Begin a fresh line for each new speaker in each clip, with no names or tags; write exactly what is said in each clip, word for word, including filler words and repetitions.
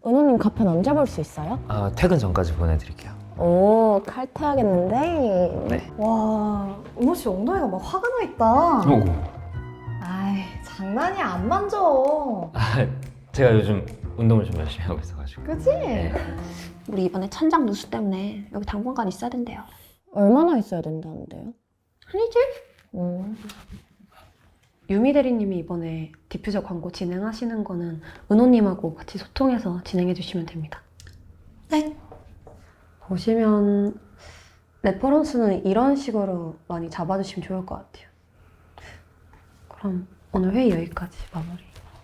은호님 카페는 언제 볼 수 있어요?
아, 퇴근 전까지 보내드릴게요.
오, 칼퇴하겠는데?
네.
와, 은호 씨 엉덩이가 막 화가 나 있다.
오고.
아이, 장난이야. 안 만져.
아, 제가 요즘 운동을 좀 열심히 하고 있어가지고.
그치?
네.
우리 이번에 천장 누수 때문에 여기 당분간 있어야 된대요.
얼마나 있어야 된다는데요?
한 일주일?
음.
유미 대리님이 이번에 디퓨저 광고 진행하시는 거는 은호님하고 같이 소통해서 진행해 주시면 됩니다.
네.
보시면 레퍼런스는 이런 식으로 많이 잡아주시면 좋을 것 같아요. 그럼 오늘 회의 여기까지 마무리.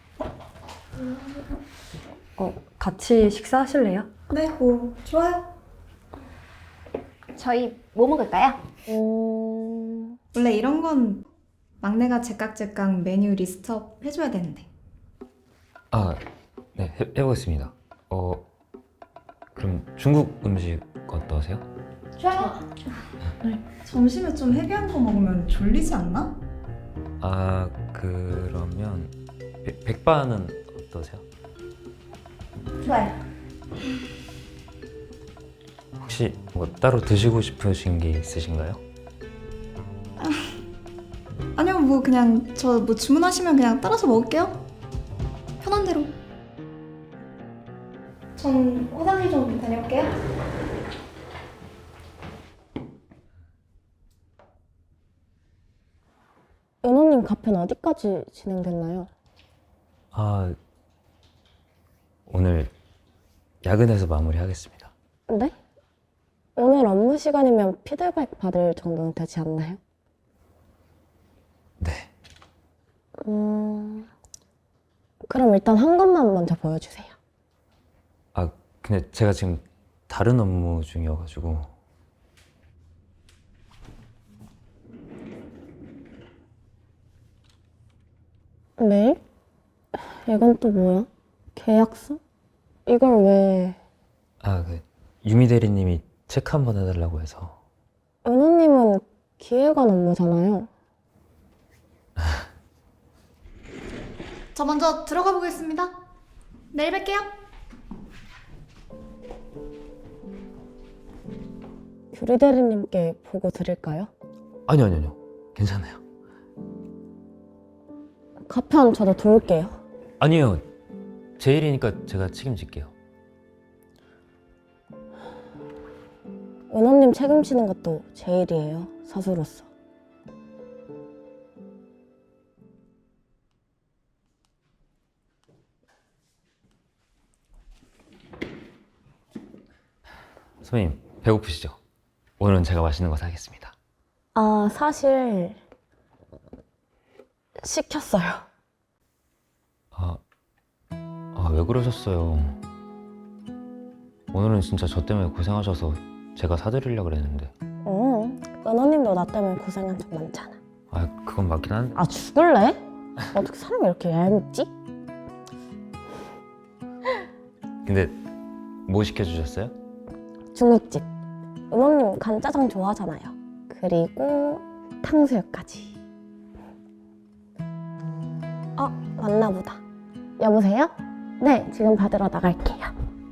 어, 같이 식사하실래요?
네, 뭐, 좋아요.
저희 뭐 먹을까요?
음...
원래 이런 건 막내가 제깍제깍 메뉴 리스트업 해줘야 되는데.
아, 네, 해, 해보겠습니다. 어, 그럼 중국 음식 어떠세요?
좋아요.
점심에 좀 헤비한 거 먹으면 졸리지 않나?
아, 그러면 백, 백반은 어떠세요?
좋아요.
혹시 뭐 따로 드시고 싶으신 게 있으신가요?
아니요, 뭐 그냥 저 뭐 주문하시면 그냥 따라서 먹을게요. 편한 대로. 전 화장실 좀 다녀올게요.
은호님 카페는 어디까지 진행됐나요?
아, 오늘 야근해서 마무리하겠습니다.
네? 오늘 업무 시간이면 피드백 받을 정도는 되지 않나요?
네.
음... 그럼 일단 한 것만 먼저 보여주세요.
아, 근데 제가 지금 다른 업무 중이어가지고.
메일? 이건 또 뭐야? 계약서? 이걸 왜...
아, 그 유미 대리님이 체크 한번 해달라고 해서.
은호님은 기획안 업무잖아요.
저 먼저 들어가 보겠습니다. 내일 뵐게요.
규리 대리님께 보고 드릴까요?
아니요, 아니요, 아니요. 괜찮아요.
카페는 저도 도울게요.
아니요. 제 일이니까 제가 책임질게요.
은호님 책임지는 것도 제 일이에요. 사수로서.
선배님, 배고프시죠? 오늘은 제가 맛있는 거 사겠습니다.
아, 사실... 시켰어요.
아, 아, 왜 그러셨어요? 오늘은 진짜 저 때문에 고생하셔서 제가 사드리려고 그랬는데.
응, 은호님도 나 때문에 고생한 적 많잖아.
아, 그건 맞긴 한데.
아, 죽을래? 어떻게 사람이 이렇게 얄밉지?
근데 뭐 시켜주셨어요?
중국집. 은호님 간짜장 좋아하잖아요. 그리고 탕수육까지. 어, 왔나 보다. 여보세요? 네, 지금 받으러 나갈게요.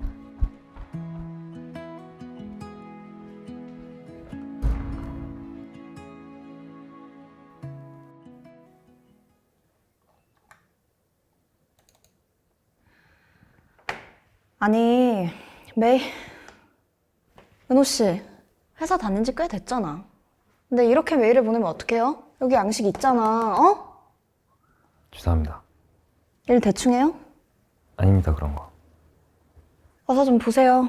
아니, 메이... 은호 씨, 회사 다닌 지 꽤 됐잖아. 근데 이렇게 메일을 보내면 어떡해요? 여기 양식 있잖아, 어?
죄송합니다.
일 대충 해요?
아닙니다, 그런 거.
어서 좀 보세요.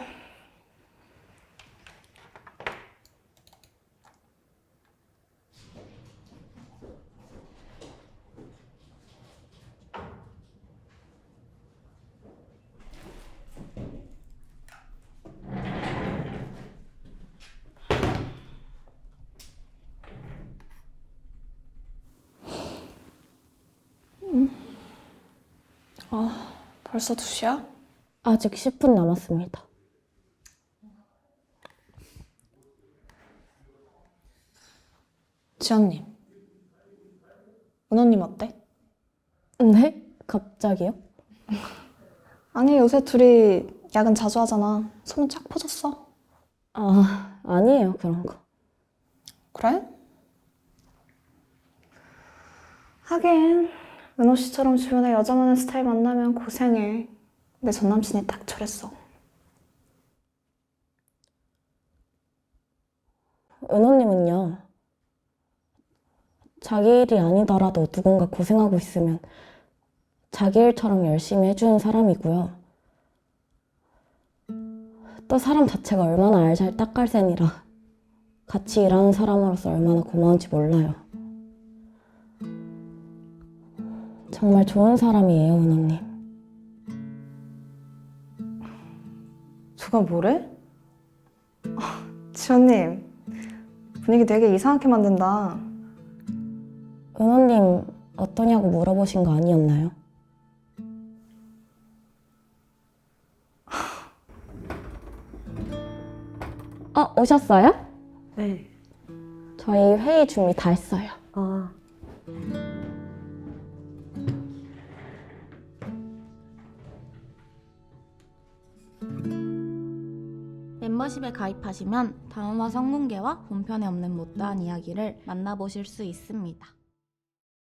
아, 벌써 두 시야?
아직 십 분 남았습니다.
지연님, 은호님 어때?
네? 갑자기요?
아니, 요새 둘이 야근 자주 하잖아. 소문 쫙 퍼졌어.
아, 아니에요, 그런 거.
그래? 하긴 은호 씨처럼 주변에 여자 많은 스타일 만나면 고생해. 내 전 남친이 딱 저랬어.
은호님은요, 자기 일이 아니더라도 누군가 고생하고 있으면 자기 일처럼 열심히 해주는 사람이고요. 또 사람 자체가 얼마나 알잘 딱갈센이라 같이 일하는 사람으로서 얼마나 고마운지 몰라요. 정말 좋은 사람이에요, 은호님.
누가 뭐래? 아, 지원님, 분위기 되게 이상하게 만든다.
은호님 어떠냐고 물어보신 거 아니었나요? 어, 오셨어요?
네.
저희 회의 준비 다 했어요.
아,
멤버십에 가입하시면 다음화 성공개와 본편에 없는 못다한 이야기를 만나보실 수 있습니다.